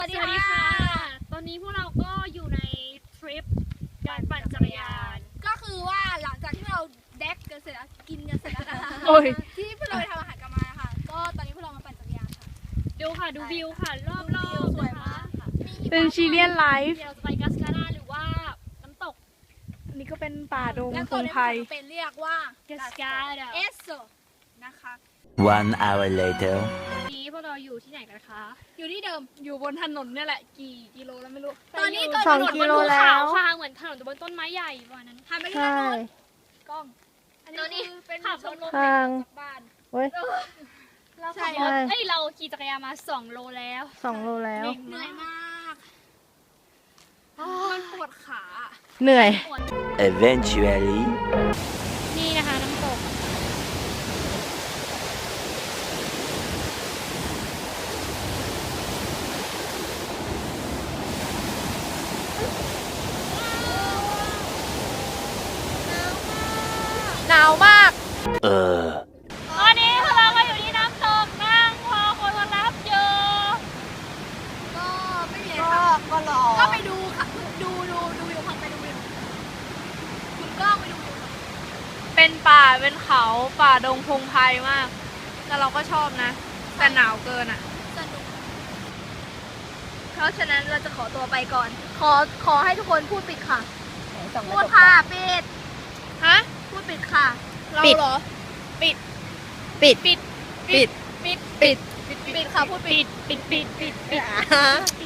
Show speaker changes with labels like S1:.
S1: สวัสดีค่ะ ตอนนี้พวกเราก็อยู่ในทริปการปั่นจักรยาน
S2: ก็คือว่าหลังจากที่เราแดกกันเสร็จแล้วกินกันเสร็จแล้วนะคะ
S1: โอ้ย
S2: ที่พวกเราไปทำอาหารกันมาค่ะ ก็ตอนนี้พวกเรามาปั่นจักรยานค่ะ
S1: ดูค่ะดูวิวค่ะรอบๆ
S2: สวย
S1: นะคะ
S2: มากค่ะ
S3: เป็นชิเลียนไลฟ์
S1: เดี๋ยวเราจะไปกัสการาหรือว่าน้ำตก
S3: อันนี้ก็เป็นป่าดง
S2: แล้ว
S3: พ
S2: ตัว
S3: ง
S2: นี้
S3: ไพร
S2: เป็นเรียกว่า
S1: กัสการา
S2: เอสโซนะคะ
S4: One hour later.
S1: วันนี้พวกเราอยู่ที่ไหนกันคะ
S2: อยู่ที่เดิม
S3: อยู่บนถนนเนี่ยแหละ กี่กิโลแล้วไม่รู้
S2: ตอนนี้ก็
S3: สอง
S1: ถนน
S3: กิ
S1: บน
S3: โล
S1: ภู
S3: แล้
S1: เขา
S3: ว
S1: ค่ะเหมือนถนนบนต้นไม้ใหญ่ประมาณนั้น
S2: หันไปที่
S3: ใช่
S2: ด้านโน้นกล้อง อัน
S1: ตัวนี้
S2: นี้คือเป็น
S1: ขับ
S2: ชมรม
S3: ทาง
S2: เด็กจากบ้าน
S3: เว้ย
S1: เรา
S2: ใช่
S1: ขับรถเอ้ยเราขี่จักรยานมา2 โลแล้ว
S3: 2 โลแล้ว
S2: เหนื่อยมากมันปวดขา
S3: เหนื่อย
S4: Eventually.
S1: นี่นะคะน้ำตก
S3: หนาวมาก
S1: ตอนนี้พวกเราก็อยู่ที่น้ำตกนั่งรอคนมารับอยู่
S2: ก็ไม่มีอะไรค่ะ
S3: ก็รอ
S2: ก็ไปดูค่ะดูวิวค่ะไปดูวิวคุณกล้องไปดูวิวค่ะ
S3: เป็นป่า เป็นเขา ป่าดงพงไพรมาก แต่เราก็ชอบนะ แต่หนาวเกินอ่ะ
S2: สนุกเพราะฉะนั้นเราจะขอตัวไปก่อน ขอให้ทุกคนพูดปิดค่ะ พูดค่ะปิด
S3: ฮะ
S2: พูดปิดค่ะ
S3: เราเหรอ ปิด
S2: ปิดค่ะพูดปิด
S1: ปิด
S3: ปิด